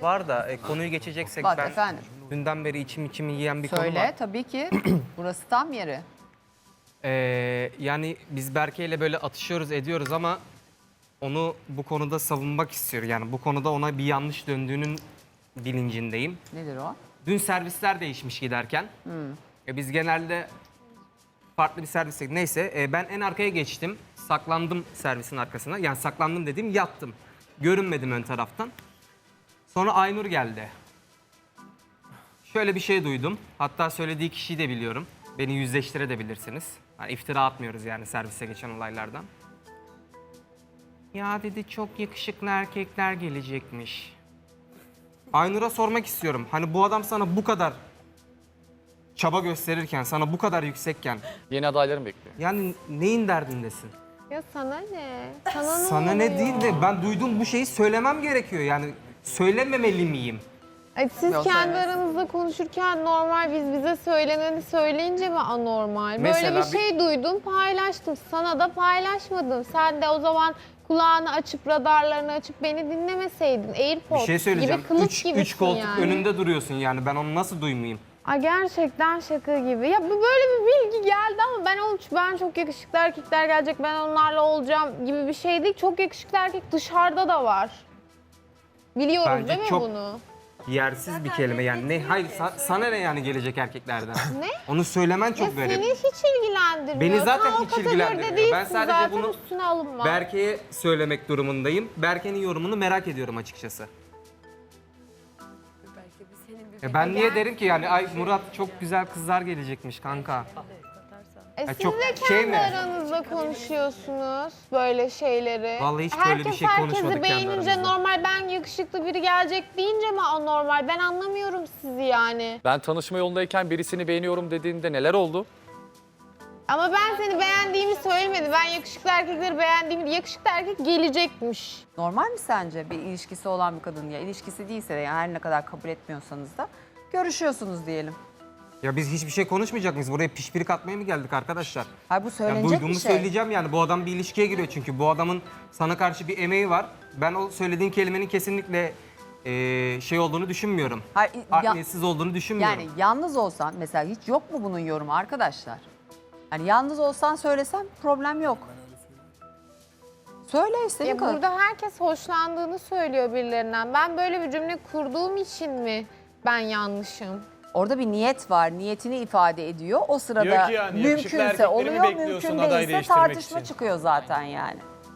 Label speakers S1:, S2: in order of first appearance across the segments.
S1: Var da konuyu geçeceksek
S2: Bak
S1: ben
S2: efendim.
S1: dünden beri içimi yiyen bir konu var.
S2: Söyle tabii ki. Burası tam yeri.
S1: Yani biz Berke ile böyle atışıyoruz ediyoruz ama onu bu konuda savunmak istiyor. Yani bu konuda ona bir yanlış döndüğünün bilincindeyim.
S2: Nedir o?
S1: Dün servisler değişmiş giderken. Biz genelde farklı bir servise... Neyse ben en arkaya geçtim. Saklandım servisin arkasına. Yani saklandım dediğim yattım. Görünmedim ön taraftan. Sonra Aynur geldi. Şöyle bir şey duydum. Hatta söylediği kişiyi de biliyorum. Beni yüzleştirebilirsiniz. Yani iftira atmıyoruz yani servise geçen olaylardan. Ya dedi çok yakışıklı erkekler gelecekmiş. Aynur'a sormak istiyorum. Hani bu adam sana bu kadar çaba gösterirken, sana bu kadar yüksekken...
S3: Yeni adaylarım bekliyor.
S1: Yani neyin derdindesin?
S4: Ya sana ne? Sana ne
S1: Sana ne
S4: oluyor?
S1: değil de ben duyduğum bu şeyi söylemem gerekiyor. Yani söylememeli miyim?
S4: Ay, siz
S2: Yok,
S4: kendi
S2: evet.
S4: aranızda konuşurken normal, biz bize söyleneni söyleyince mi anormal?
S1: Mesela
S4: Böyle bir şey duydum, paylaştım. Sana da paylaşmadım. Sen de o zaman kulağını açıp, radarlarını açıp beni dinlemeseydin.
S1: Bir
S4: AirPods
S1: şey söyleyeceğim.
S4: gibi kılıç gibisin
S1: Üç koltuk
S4: yani.
S1: önünde duruyorsun yani. Ben onu nasıl duymayayım?
S4: Ay, gerçekten şaka gibi. Ya bu böyle bir bilgi geldi ama ben çok yakışıklı erkekler gelecek, ben onlarla olacağım gibi bir şey değil. Çok yakışıklı erkek dışarıda da var. Biliyoruz
S1: Bence
S4: değil mi
S1: çok-
S4: bunu?
S1: Yersiz bir kelime yani. Ne? Hayır sana ne yani gelecek erkeklerden?
S4: Ne?
S1: Onu söylemen
S4: Ya
S1: çok garip.
S4: seni hiç ilgilendirmiyor.
S1: Beni zaten
S4: Sen o
S1: hiç
S4: kategoride
S1: ilgilendirmiyor.
S4: değilsin
S1: Ben sadece
S4: zaten,
S1: bunu
S4: üstüne alınma.
S1: Berke'ye söylemek durumundayım. Berke'nin yorumunu merak ediyorum açıkçası. Ben niye derim ki yani ay Murat çok güzel kızlar gelecekmiş kanka.
S4: Siz
S1: çok
S4: de kendi
S1: şey mi?
S4: aranızda konuşuyorsunuz böyle şeyleri.
S1: Vallahi hiç böyle bir şey konuşmadık
S4: Herkesi
S1: kendi
S4: beğenince
S1: aramızda.
S4: normal, ben yakışıklı biri gelecek deyince mi anormal? Ben anlamıyorum sizi yani.
S3: Ben tanışma yolundayken birisini beğeniyorum dediğinde neler oldu?
S4: Ama ben seni beğendiğimi söylemedim. Ben yakışıklı erkekleri beğendiğimi, yakışıklı erkek gelecekmiş.
S2: Normal mi sence bir ilişkisi olan bir kadın, ya ilişkisi değilse de yani her ne kadar kabul etmiyorsanız da görüşüyorsunuz diyelim.
S1: Ya biz hiçbir şey konuşmayacak mıyız? Buraya pişpirik atmaya mı geldik arkadaşlar?
S2: Hayır, bu
S1: Ya
S2: söylenecek
S1: duyduğumu
S2: bir şey.
S1: söyleyeceğim yani. Bu adam bir ilişkiye giriyor çünkü. Bu adamın sana karşı bir emeği var. Ben o söylediğin kelimenin kesinlikle şey olduğunu düşünmüyorum.
S2: Hayır,
S1: Adaletsiz olduğunu düşünmüyorum.
S2: yani yalnız olsan mesela hiç yok mu bunun yorumu arkadaşlar? Hani yalnız olsan söylesem problem yok. Söyle istediğin
S4: Ya
S2: kadar.
S4: burada herkes hoşlandığını söylüyor birilerinden. Ben böyle bir cümle kurduğum için mi ben yanlışım?
S2: Orada bir niyet var, niyetini ifade ediyor. O sırada
S5: Diyor ki yani, yakışıklı
S2: mümkünse
S5: erkekleri mi
S2: oluyor,
S5: bekliyorsun
S2: mümkün
S5: aday
S2: değilse
S5: değiştirmek
S2: tartışma
S5: için?
S2: çıkıyor zaten yani.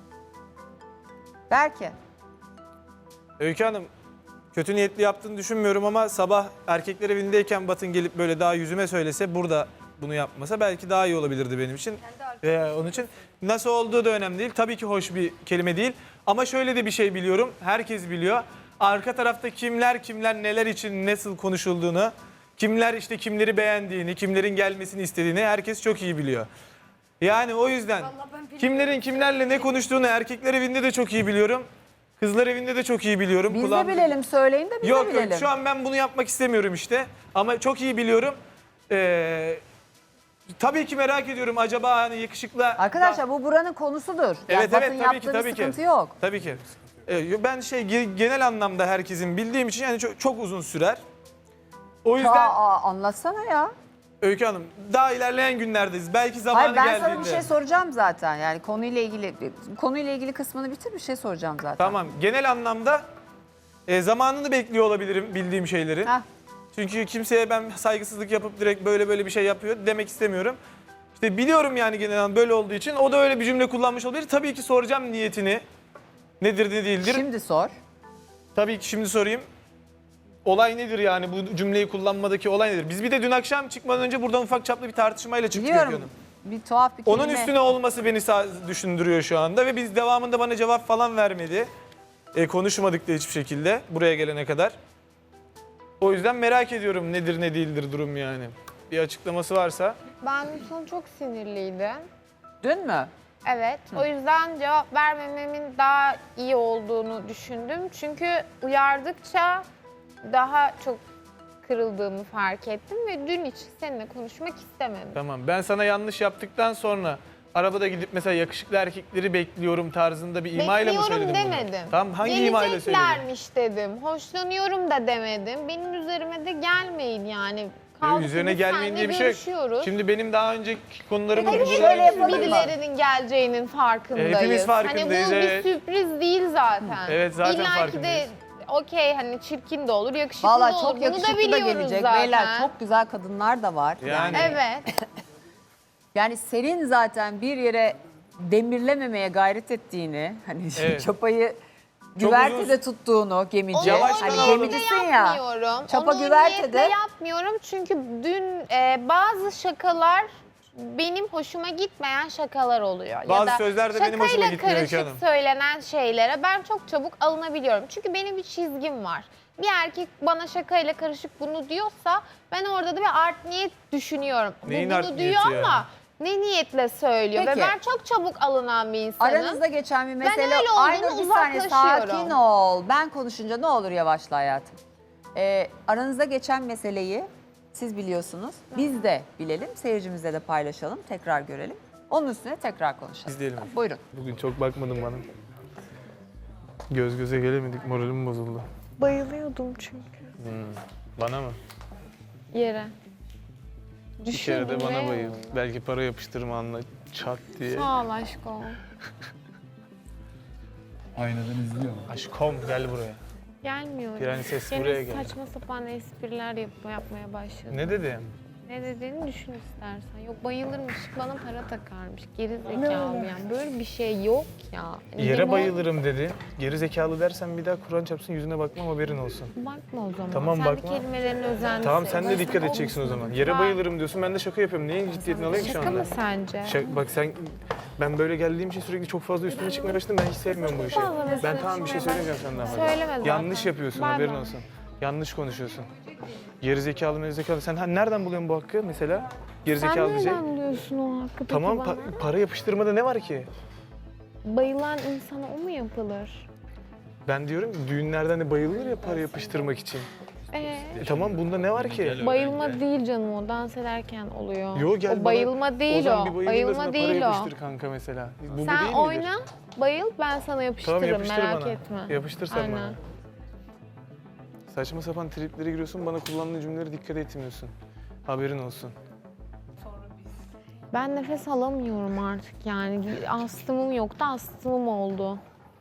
S2: Belki.
S5: Öykü Hanım, kötü niyetli yaptığını düşünmüyorum ama sabah erkekler evindeyken Batın gelip böyle daha yüzüme söylese, burada bunu yapmasa belki daha iyi olabilirdi benim için. Onun için nasıl olduğu da önemli değil. Tabii ki hoş bir kelime değil. Ama şöyle de bir şey biliyorum, herkes biliyor. Arka tarafta kimler neler için nasıl konuşulduğunu, kimler işte kimleri beğendiğini, kimlerin gelmesini istediğini herkes çok iyi biliyor. Yani o yüzden kimlerin kimlerle ne konuştuğunu erkekler evinde de çok iyi biliyorum. Kızlar evinde de çok iyi biliyorum.
S2: Biz de
S5: Kulağım-
S2: bilelim, söyleyin de biz de
S5: Yok
S2: bilelim.
S5: yok, şu an ben bunu yapmak istemiyorum işte. Ama çok iyi biliyorum. Tabii ki merak ediyorum, acaba hani yakışıklı...
S2: Arkadaşlar bu buranın konusudur. Yani
S5: Evet
S2: Batın
S5: evet, tabii
S2: yaptığı
S5: ki
S2: bir
S5: tabii ki.
S2: sıkıntı yok.
S5: Tabii ki. Ben genel anlamda herkesin bildiğim için yani çok uzun sürer. O yüzden
S2: Anlatsana ya.
S5: Öykü Hanım, daha ilerleyen günlerdeyiz. Belki zamanı
S2: Hayır, ben
S5: geldiğinde.
S2: sana bir şey soracağım zaten. Yani konuyla ilgili kısmını bitir, bir şey soracağım zaten.
S5: Tamam. Genel anlamda zamanını bekliyor olabilirim bildiğim şeylerin.
S2: Heh.
S5: Çünkü kimseye ben saygısızlık yapıp direkt böyle bir şey yapıyor demek istemiyorum. İşte biliyorum yani genel anlamda böyle olduğu için o da öyle bir cümle kullanmış olabilir. Tabii ki soracağım niyetini. Nedir ne değildir.
S2: Şimdi sor.
S5: Tabii ki şimdi sorayım. Olay nedir yani, bu cümleyi kullanmadaki olay nedir? Biz bir de dün akşam çıkmadan önce buradan ufak çaplı bir tartışmayla çıktık Öykü
S2: Biliyorum.
S5: Hanım.
S2: Bir tuhaf bir kelime.
S5: Onun üstüne olması beni düşündürüyor şu anda ve biz devamında bana cevap falan vermedi. Konuşmadık da hiçbir şekilde buraya gelene kadar. O yüzden merak ediyorum nedir ne değildir durum yani. Bir açıklaması varsa.
S4: Ben son çok sinirliydim.
S2: Dün mü?
S4: Evet, o yüzden cevap vermememin daha iyi olduğunu düşündüm. Çünkü uyardıkça daha çok kırıldığımı fark ettim ve dün için seninle konuşmak istemedim.
S5: Tamam, ben sana yanlış yaptıktan sonra arabada gidip mesela yakışıklı erkekleri bekliyorum tarzında bir imayla mı söyledin
S4: Bekliyorum
S5: bunu?
S4: demedim.
S5: Tamam, hangi imayla söyledin?
S4: Geleceklermiş dedim. Hoşlanıyorum da demedim. Benim üzerime de gelmeyin yani. Kaldı ki
S5: Üzerine
S4: biz
S5: gelmeyin
S4: seninle
S5: diye bir şey yok.
S4: görüşüyoruz.
S5: Şimdi benim daha önceki konularımı
S2: Peki
S5: burada-
S2: şöyle yapalım mı?
S4: Birilerinin geleceğinin farkındayız.
S5: Hepimiz farkındayız,
S4: Hani bu
S5: evet.
S4: bir sürpriz değil zaten.
S5: Evet, zaten
S4: İlla ki de
S5: farkındayız.
S4: okey hani çirkin de olur, yakışıklı
S2: Valla
S4: da olur.
S2: çok
S4: Bunu da
S2: yakışıklı da
S4: biliyoruz
S2: gelecek.
S4: zaten.
S2: Beyler çok güzel kadınlar da var.
S5: Yani.
S4: Evet.
S2: Yani senin zaten bir yere demirlememeye gayret ettiğini, hani
S5: Evet.
S2: çapayı
S5: Çok
S2: güvertede
S5: uzun-
S2: tuttuğunu, gemici.
S4: Onu
S5: Yavaştan
S2: Hani
S5: alalım.
S2: gemicisin
S4: niyetle
S2: ya.
S4: yapmıyorum.
S2: Çapa
S4: Onu
S2: güvertede.
S4: niyetle yapmıyorum çünkü dün bazı şakalar benim hoşuma gitmeyen şakalar oluyor.
S5: Bazı
S4: ya da
S5: sözler de benim hoşuma
S4: şakayla
S5: gitmiyor Öykü
S4: karışık
S5: Hanım.
S4: söylenen şeylere ben çok çabuk alınabiliyorum. Çünkü benim bir çizgim var. Bir erkek bana şakayla karışık bunu diyorsa ben orada da bir art niyet düşünüyorum.
S5: Neyin
S4: Bu
S5: art
S4: bunu
S5: niyeti
S4: diyor
S5: yani?
S4: ama ne niyetle söylüyor
S2: Peki.
S4: ve ben çok çabuk alınan bir insanım.
S2: Aranızda geçen bir mesele.
S4: öyle olduğunu
S2: Aynur bir saniye
S4: uzaklaşıyorum.
S2: sakin ol. Ben konuşunca ne olur yavaşla hayatım. Aranızda geçen meseleyi siz biliyorsunuz. Biz de bilelim. Seyircimizle de paylaşalım. Tekrar görelim. Onun üstüne tekrar konuşalım.
S5: İzleyelim.
S2: Buyurun.
S5: Bugün çok bakmadın bana. Göz göze gelemedik, moralim bozuldu.
S4: Bayılıyordum çünkü
S5: Bana mı?
S4: yere.
S5: Bir kere de
S4: Düşündüm
S5: bana
S4: ve-
S5: bayıl. Belki para yapıştırma anla çat diye.
S4: Sağ ol aşkım.
S6: Aynadan izliyor mu?
S5: Aşkım gel buraya.
S4: Gelmiyor.
S5: Prenses
S4: Gene
S5: buraya gel.
S4: saçma sapan espriler yapmaya başladı.
S5: Ne dedim?
S4: Ne dediğini düşün istersen. Yok bayılırmış, bana para takarmış. Geri zekalı yani. Böyle bir şey yok ya.
S5: Yere
S4: Limon-
S5: bayılırım dedi. Geri zekalı dersen bir daha Kur'an çarpsın yüzüne bakmam haberin olsun.
S4: Bakma o zaman.
S5: Tamam,
S4: sen
S5: bakma.
S4: de kelimelerine özen
S5: Tamam sen de dikkat edeceksin o zaman. Yere bayılırım diyorsun ben de şaka yapıyorum. Neyin ciddiyetini alayım şu
S4: Şaka
S5: anda?
S4: mı sence?
S5: Bak sen ben böyle geldiğim için sürekli çok fazla üstüne çıkmaya başladım. Ben hiç sevmiyorum bu işi.
S4: fazla
S5: Ben
S4: üstüne
S5: tamam bir şey
S4: çıkmaya
S5: söyleyeceğim senden.
S4: Söyleme zaten.
S5: Yanlış yapıyorsun
S4: Bay
S5: haberin
S4: bay.
S5: olsun. Yanlış konuşuyorsun. Gerizekalı mezekalı. Sen nereden buluyorsun bu hakkı mesela?
S4: Sen
S5: Gerizekalı diyecek.
S4: nereden biliyorsun o hakkı peki
S5: Tamam
S4: bana?
S5: para yapıştırmada ne var ki?
S4: Bayılan insana o mu yapılır?
S5: Ben diyorum ki düğünlerden de bayılır ya para yapıştırmak için. Tamam bunda ne var ki?
S4: Bayılma değil canım o dans ederken oluyor.
S5: Yo gel
S4: o bayılma değil
S5: zaman
S4: o.
S5: bir bayılayım da
S4: Bayılma
S5: sana
S4: değil
S5: para
S4: o.
S5: yapıştır kanka mesela. Bu
S4: Sen
S5: değil midir?
S4: oyna, bayıl ben sana yapıştırırım
S5: Tamam yapıştır
S4: merak
S5: bana.
S4: etme.
S5: Yapıştır sen
S4: Aynen.
S5: bana. Saçma sapan triplere giriyorsun bana kullandığın cümlelere dikkat etmiyorsun. Haberin olsun.
S4: Ben nefes alamıyorum artık yani. Astımım yoktu, astımım oldu.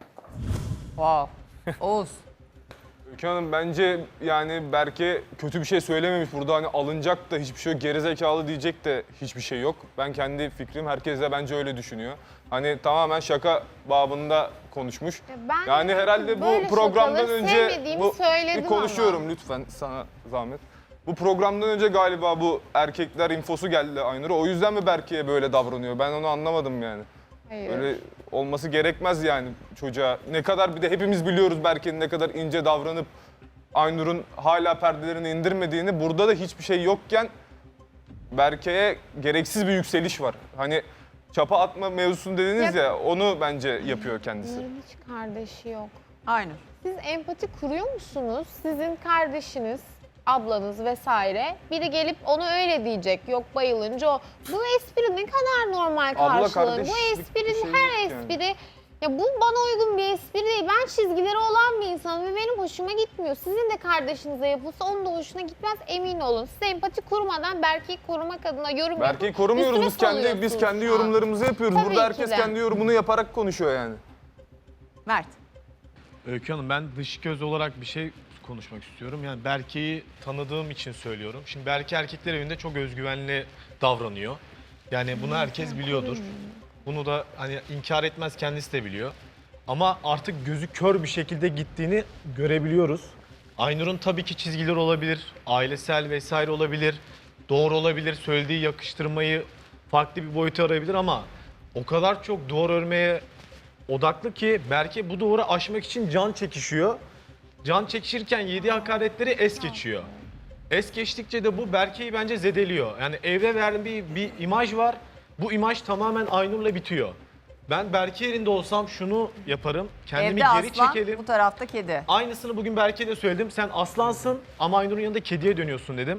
S2: Wow. Oğuz.
S7: Öykü Hanım bence yani Berke kötü bir şey söylememiş burada hani alınacak da hiçbir şey yok, gerizekalı diyecek de hiçbir şey yok. Ben kendi fikrim, herkes de bence öyle düşünüyor. Hani tamamen şaka babında konuşmuş.
S4: Ben
S7: Yani herhalde
S4: böyle
S7: bu programdan
S4: şakaları
S7: önce
S4: sevmediğimi söyledim
S7: bir konuşuyorum
S4: ama.
S7: lütfen sana zahmet. Bu programdan önce galiba bu erkekler infosu geldi Aynur'a. O yüzden mi Berke'ye böyle davranıyor? Ben onu anlamadım yani.
S4: Hayır.
S7: Öyle olması gerekmez yani çocuğa. Ne kadar bir de hepimiz biliyoruz Berke'nin ne kadar ince davranıp Aynur'un hala perdelerini indirmediğini. Burada da hiçbir şey yokken Berke'ye gereksiz bir yükseliş var. Hani çapa atma mevzusunu dediniz ya onu bence yapıyor kendisi.
S4: Bunların hiç kardeşi yok.
S2: Aynur.
S4: Siz empati kuruyor musunuz? Sizin kardeşiniz, ablanız vesaire biri gelip onu öyle diyecek. Yok bayılınca o. Bu espri ne kadar normal
S7: Abla
S4: karşılanır.
S7: kardeşlik
S4: Bu
S7: bir
S4: esprinin
S7: şey
S4: her
S7: yok yani.
S4: espri ya bu bana uygun bir espri değil. Ben çizgileri olan bir insanım ve benim hoşuma gitmiyor. Sizin de kardeşinize yapılsa onun da hoşuna gitmez emin olun. Siz empati kurmadan Berke'yi korumak adına yorum
S7: Berke'yi
S4: yapıp
S7: korumuyoruz
S4: üstüne
S7: biz kendi
S4: salıyorsunuz şu an.
S7: yorumlarımızı yapıyoruz.
S4: Tabii
S7: Burada
S4: ki
S7: herkes
S4: de.
S7: kendi yorumunu yaparak konuşuyor yani.
S2: Mert.
S8: Öykü Hanım ben dış göz olarak bir şey konuşmak istiyorum. Yani Berke'yi tanıdığım için söylüyorum. Şimdi Berke erkekler evinde çok özgüvenli davranıyor. Yani bunu herkes biliyordur. Bunu da hani inkar etmez kendisi de biliyor. Ama artık gözü kör bir şekilde gittiğini görebiliyoruz. Aynur'un tabii ki çizgileri olabilir, ailesel vesaire olabilir, doğru olabilir, söylediği yakıştırmayı farklı bir boyuta arayabilir ama o kadar çok duvar örmeye odaklı ki Berke bu duvarı aşmak için can çekişiyor. Can çekişirken yediği hakaretleri es geçiyor. Es geçtikçe de bu Berke'yi bence zedeliyor. Yani evre verdiği bir imaj var. Bu imaj tamamen Aynur'la bitiyor. Ben Berke yerinde olsam şunu yaparım. Kendimi
S2: Evde
S8: geri
S2: aslan,
S8: çekelim.
S2: bu tarafta kedi.
S8: Aynısını bugün Berke'ye de söyledim. Sen aslansın ama Aynur'un yanında kediye dönüyorsun dedim.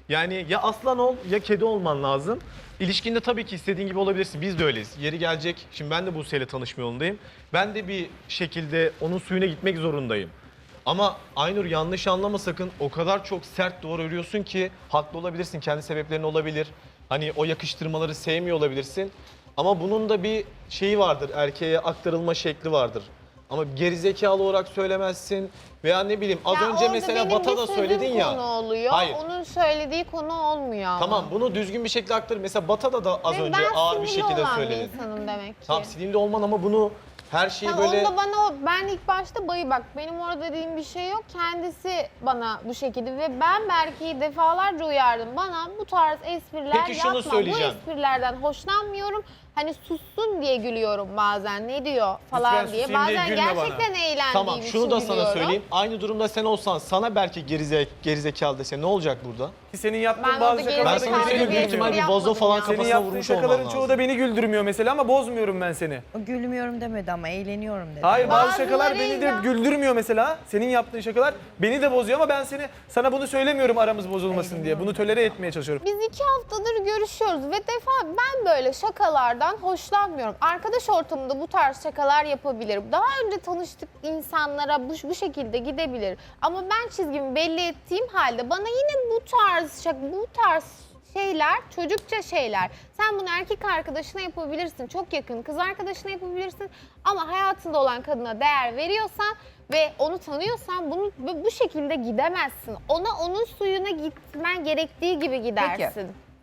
S8: Yani ya aslan ol ya kedi olman lazım. İlişkinde tabii ki istediğin gibi olabilirsin. Biz de öyleyiz. Yeri gelecek. Şimdi ben de Buse'yle tanışma yolundayım. Ben de bir şekilde onun suyuna gitmek zorundayım. Ama Aynur yanlış anlama sakın. O kadar çok sert duvar örüyorsun ki haklı olabilirsin. Kendi sebeplerin olabilir. Hani o yakıştırmaları sevmiyor olabilirsin. Ama bunun da bir şeyi vardır. Erkeğe aktarılma şekli vardır. Ama gerizekalı olarak söylemezsin. Veya ne bileyim az
S4: Ya
S8: önce
S4: orada
S8: mesela
S4: benim
S8: Bata da
S4: düşündüğüm
S8: söyledin ya.
S4: konu oluyor.
S8: Hayır.
S4: Onun söylediği konu olmuyor ama.
S8: Tamam bunu düzgün bir şekilde aktar. Mesela Bata'da da az
S4: Ve
S8: önce
S4: ben
S8: ağır bir
S4: sinirli
S8: şekilde
S4: olan
S8: söyledi.
S4: bir insanım demek ki.
S8: Tamam sinirli olman ama bunu her şeyi
S4: Tamam,
S8: böyle...
S4: onda bana ben ilk başta bak benim orada dediğim bir şey yok. Kendisi bana bu şekilde ve ben Berke'yi defalarca uyardım. Bana bu tarz espriler
S8: Peki şunu
S4: yapma.
S8: söyleyeceğim.
S4: Bu esprilerden hoşlanmıyorum. Hani sussun diye gülüyorum bazen ne diyor falan
S5: Lütfen
S4: diye.
S5: susayım diye
S4: Bazen
S5: gülme bana.
S4: gerçekten eğlendiğim
S8: Tamam
S4: için
S8: şunu da sana
S4: gülüyorum.
S8: söyleyeyim. Aynı durumda sen olsan sana belki gerizekalı dese ne olacak burada?
S5: Ki senin yaptığın
S4: Ben
S5: bazı
S4: orada
S5: şakalar
S8: Ben
S5: da
S8: sana
S4: gerizekalı
S8: söyleyeyim büyük
S4: bir
S8: ihtimal
S4: espri
S8: bir vazo
S4: yapmadım
S8: falan
S4: ya.
S5: senin
S8: kafasına
S5: yaptığın
S8: vurmuş olman
S5: şakaların
S8: lazım.
S5: çoğu da beni güldürmüyor mesela ama bozmuyorum ben seni.
S9: O gülmüyorum demedi ama eğleniyorum dedi.
S5: Hayır bazı şakalar beni de
S4: Bazılarıyla-
S5: güldürmüyor mesela. Senin yaptığın şakalar beni de bozuyor ama ben sana bunu söylemiyorum aramız bozulmasın diye. Bunu tolere etmeye çalışıyorum.
S4: Biz 2 haftadır görüşüyoruz ve ben böyle şakalardan hoşlanmıyorum. Arkadaş ortamında bu tarz şakalar yapabilirim. Daha önce tanıştık insanlara bu şekilde gidebilir. Ama ben çizgimi belli ettiğim halde bana yine bu tarz şeyler, çocukça şeyler. Sen bunu erkek arkadaşına yapabilirsin, çok yakın kız arkadaşına yapabilirsin. Ama hayatında olan kadına değer veriyorsan ve onu tanıyorsan bu şekilde gidemezsin. Onun suyuna gitmen gerektiği gibi gidersin.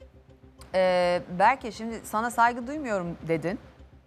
S2: Berke şimdi sana saygı duymuyorum dedin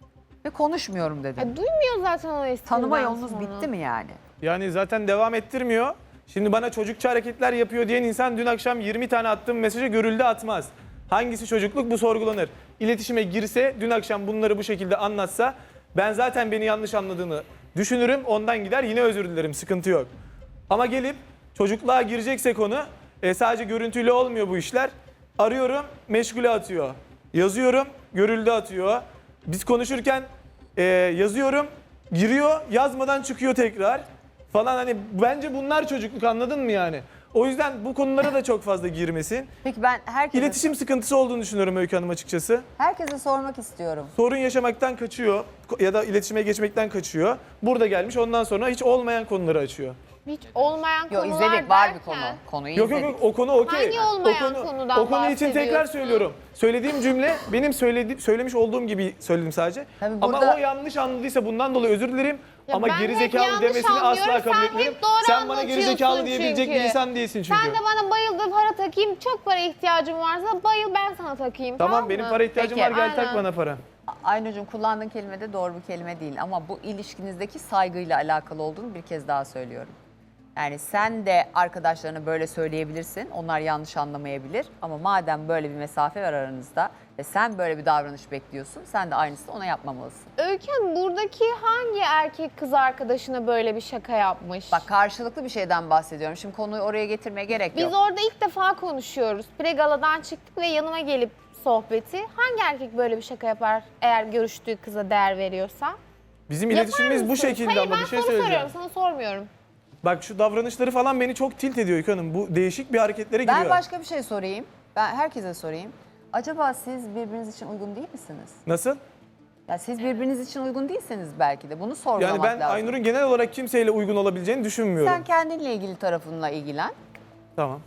S2: ve konuşmuyorum dedin.
S4: Duymuyor zaten o espriden
S2: Tanıma yolunuz
S4: sonra.
S2: bitti mi yani?
S5: Yani zaten devam ettirmiyor. Şimdi bana çocukça hareketler yapıyor diyen insan dün akşam 20 tane attığım mesajı görüldü atmaz. Hangisi çocukluk bu sorgulanır. İletişime girse dün akşam bunları bu şekilde anlatsa ben zaten beni yanlış anladığını düşünürüm. Ondan gider yine özür dilerim sıkıntı yok. Ama gelip çocukluğa girecekse konu sadece görüntüyle olmuyor bu işler. Arıyorum meşgule atıyor. Yazıyorum görüldü atıyor. Biz konuşurken yazıyorum giriyor yazmadan çıkıyor tekrar. Falan hani bence bunlar çocukluk anladın mı yani? O yüzden bu konulara da çok fazla girmesin.
S2: Peki ben
S5: İletişim sıkıntısı olduğunu düşünüyorum Öykü Hanım açıkçası.
S2: herkese sormak istiyorum.
S5: Sorun yaşamaktan kaçıyor ya da iletişime geçmekten kaçıyor. Burada gelmiş ondan sonra hiç olmayan konuları açıyor.
S4: Hiç olmayan
S2: Yok
S4: konular
S2: izledik var bir
S4: derken-
S2: konu. Konuyu
S5: Yok
S2: izledik.
S5: yok yok o konu okey.
S4: Hangi olmayan
S5: O
S4: konudan
S5: konu için tekrar
S4: bahsediyorsun?
S5: söylüyorum. Söylediğim cümle benim söylemiş olduğum gibi söyledim sadece.
S2: Tabii
S5: Ama
S2: burada-
S5: o yanlış anladıysa bundan dolayı özür dilerim.
S4: Ya
S5: Ama
S4: ben hep
S5: gerizekalı
S4: yanlış
S5: demesini asla
S4: anlıyorum,
S5: kabul
S4: sen
S5: etmiyorum.
S4: hep doğru
S5: Sen bana gerizekalı
S4: anlatıyorsun
S5: diyebilecek bir
S4: çünkü.
S5: insan değilsin çünkü.
S4: Sen de bana bayıldı para takayım, çok para ihtiyacım varsa bayıl ben sana takayım.
S5: Tamam
S4: mı?
S5: benim para ihtiyacım
S2: Peki,
S5: var gel tak
S4: aynen.
S5: bana para.
S2: Aynur'cum kullandığın kelime de doğru bir kelime değil ama bu ilişkinizdeki saygıyla alakalı olduğunu bir kez daha söylüyorum. Yani sen de arkadaşlarına böyle söyleyebilirsin, onlar yanlış anlamayabilir ama madem böyle bir mesafe var aranızda ve sen böyle bir davranış bekliyorsun, sen de aynısını ona yapmamalısın.
S4: Öykü Hanım, buradaki hangi erkek kız arkadaşına böyle bir şaka yapmış?
S2: Bak karşılıklı bir şeyden bahsediyorum. Şimdi konuyu oraya getirmeye gerek
S4: Biz
S2: yok.
S4: orada ilk defa konuşuyoruz. Pregaladan çıktık ve yanıma gelip sohbeti. Hangi erkek böyle bir şaka yapar eğer görüştüğü kıza değer veriyorsa?
S5: Bizim
S4: Yapar
S5: iletişimimiz bu
S4: mısın?
S5: şekilde
S4: Hayır,
S5: ama bir şey
S4: ben soru
S5: söyleyeceğim.
S4: soruyorum, sana sormuyorum.
S5: Bak şu davranışları falan beni çok tilt ediyor Öykü Hanım. Bu değişik bir hareketlere giriyor.
S2: Ben başka bir şey sorayım. Ben herkese sorayım. Acaba siz birbiriniz için uygun değil misiniz?
S5: Nasıl?
S2: Ya siz birbiriniz için uygun değilseniz belki de bunu sorgulamak
S5: Yani ben
S2: lazım.
S5: Aynur'un genel olarak kimseyle uygun olabileceğini düşünmüyorum.
S2: Sen kendinle ilgili tarafınla ilgilen.
S5: Tamam.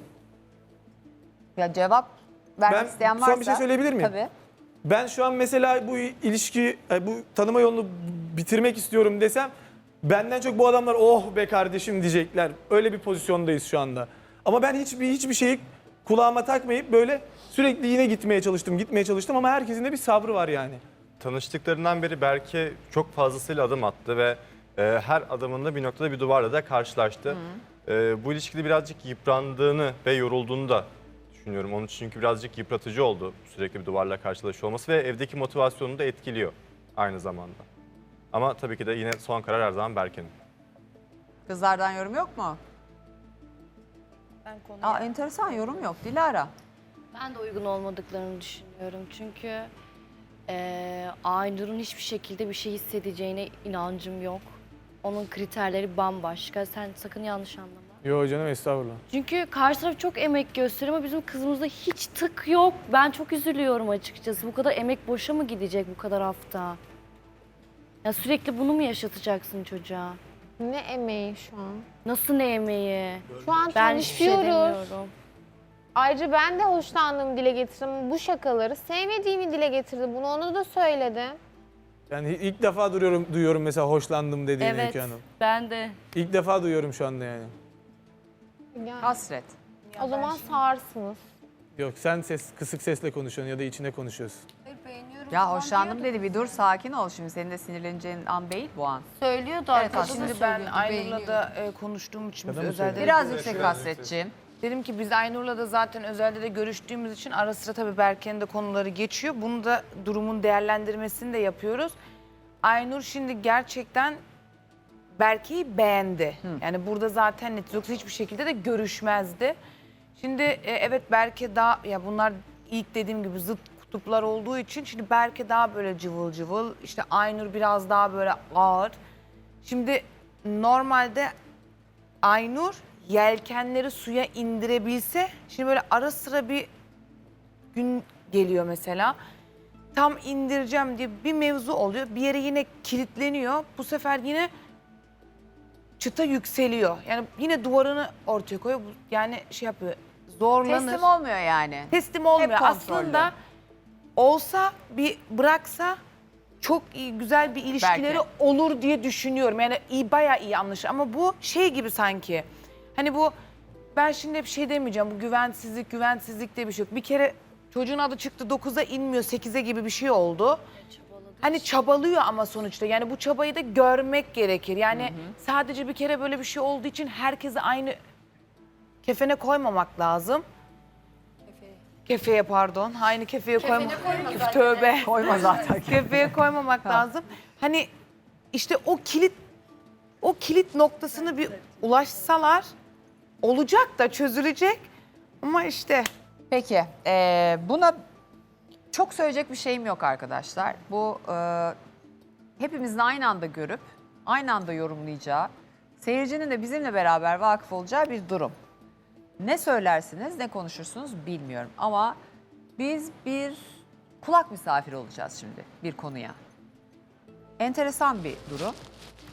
S2: Ya cevap vermek
S5: Ben
S2: isteyen
S5: son
S2: varsa.
S5: bir şey söyleyebilir miyim?
S2: Tabii.
S5: Ben şu an mesela bu ilişki, bu tanıma yolunu bitirmek istiyorum desem benden çok bu adamlar oh be kardeşim diyecekler. Öyle bir pozisyondayız şu anda. Ama ben hiçbir şeyi kulağıma takmayıp böyle sürekli yine gitmeye çalıştım ama herkesin de bir sabrı var yani.
S10: Tanıştıklarından beri Berke çok fazlasıyla adım attı ve her adımında bir noktada bir duvarla da karşılaştı. Bu ilişkide birazcık yıprandığını ve yorulduğunu da düşünüyorum. Onun için çünkü birazcık yıpratıcı oldu sürekli bir duvarla karşılaşıyor olması ve evdeki motivasyonunu da etkiliyor aynı zamanda. Ama tabii ki de yine son karar her zaman Berke'nin.
S2: Kızlardan yorum yok mu?
S9: Ben konuya...
S2: Enteresan yorum yok. Dilara.
S11: Ben de uygun olmadıklarını düşünüyorum. Çünkü Aynur'un hiçbir şekilde bir şey hissedeceğine inancım yok. Onun kriterleri bambaşka. Sen sakın yanlış anlama.
S5: Yo canım estağfurullah.
S11: Çünkü karşı taraf çok emek gösteriyor ama bizim kızımızda hiç tık yok. Ben çok üzülüyorum açıkçası. Bu kadar emek boşa mı gidecek bu kadar hafta? Ya sürekli bunu mu yaşatacaksın çocuğa?
S4: Ne emeği şu an?
S11: Nasıl ne emeği?
S4: Şu an
S11: Ben hiçbir şey
S4: tanışıyoruz.
S11: demiyorum.
S4: Ayrıca ben de hoşlandığımı dile getirdim. Bu şakaları sevmediğimi dile getirdim. Bunu ona da söyledim.
S5: Yani ilk defa duyuyorum mesela hoşlandım dediğini
S11: Evet,
S5: Öykü Hanım.
S11: ben de.
S5: İlk defa duyuyorum şu anda yani.
S4: Yani,
S2: Hasret.
S4: o zaman sağırsınız.
S5: Yok sen kısık sesle konuşuyorsun ya da içine konuşuyorsun.
S2: Ya hoşlandım dedi, bir dur sakin ol şimdi, senin de sinirleneceğin an değil bu an.
S9: Söylüyordu
S2: Evet,
S9: arkadaşlar.
S2: aslında
S9: Şimdi ben Aynur'la da konuştuğum için biz
S5: Kadın mı
S9: özelde
S5: söylüyor?
S2: Biraz yüksek Hasretciğim.
S9: dedim ki biz Aynur'la da zaten özelde de görüştüğümüz için ara sıra tabii Berke'nin de konuları geçiyor. Bunu da durumun değerlendirmesini de yapıyoruz. Aynur şimdi gerçekten Berke'yi beğendi. Yani burada zaten net, yoksa hiçbir şekilde de görüşmezdi. Şimdi evet Berke daha, ya bunlar ilk dediğim gibi zıt kutuplar olduğu için şimdi Berke daha böyle cıvıl cıvıl, işte Aynur biraz daha böyle ağır. Şimdi normalde Aynur yelkenleri suya indirebilse, şimdi böyle ara sıra bir gün geliyor mesela. Tam indireceğim diye bir mevzu oluyor. Bir yere yine kilitleniyor. Bu sefer yine çıta yükseliyor. Yani yine duvarını ortaya koyuyor. Yani şey yapıyor, zorlanır.
S2: Teslim olmuyor yani.
S9: Teslim olmuyor.
S2: Hep kontrollü.
S9: Aslında olsa, bir bıraksa çok iyi, güzel bir ilişkileri
S2: Belki.
S9: olur diye düşünüyorum. Yani iyi, bayağı iyi anlaşır. Ama bu şey gibi sanki. Hani bu, ben şimdi hep şey demeyeceğim. Bu güvensizlik diye bir şey yok. Bir kere çocuğun adı çıktı 9'a inmiyor, 8'e gibi bir şey oldu. Hani çabalıyor ama sonuçta. Yani bu çabayı da görmek gerekir. Yani sadece bir kere böyle bir şey olduğu için herkese aynı kefene koymamak lazım. Kefeye pardon. Aynı kefeye koymamak. Tövbe.
S2: Koyma zaten.
S9: Kefeye koymamak lazım. Hani işte o kilit noktasını bir ulaşsalar olacak da çözülecek. Ama işte
S2: Peki, buna çok söyleyecek bir şeyim yok arkadaşlar. Bu hepimizin aynı anda görüp, aynı anda yorumlayacağı, seyircinin de bizimle beraber vakıf olacağı bir durum. Ne söylersiniz, ne konuşursunuz bilmiyorum. Ama biz bir kulak misafiri olacağız şimdi bir konuya. Enteresan bir durum.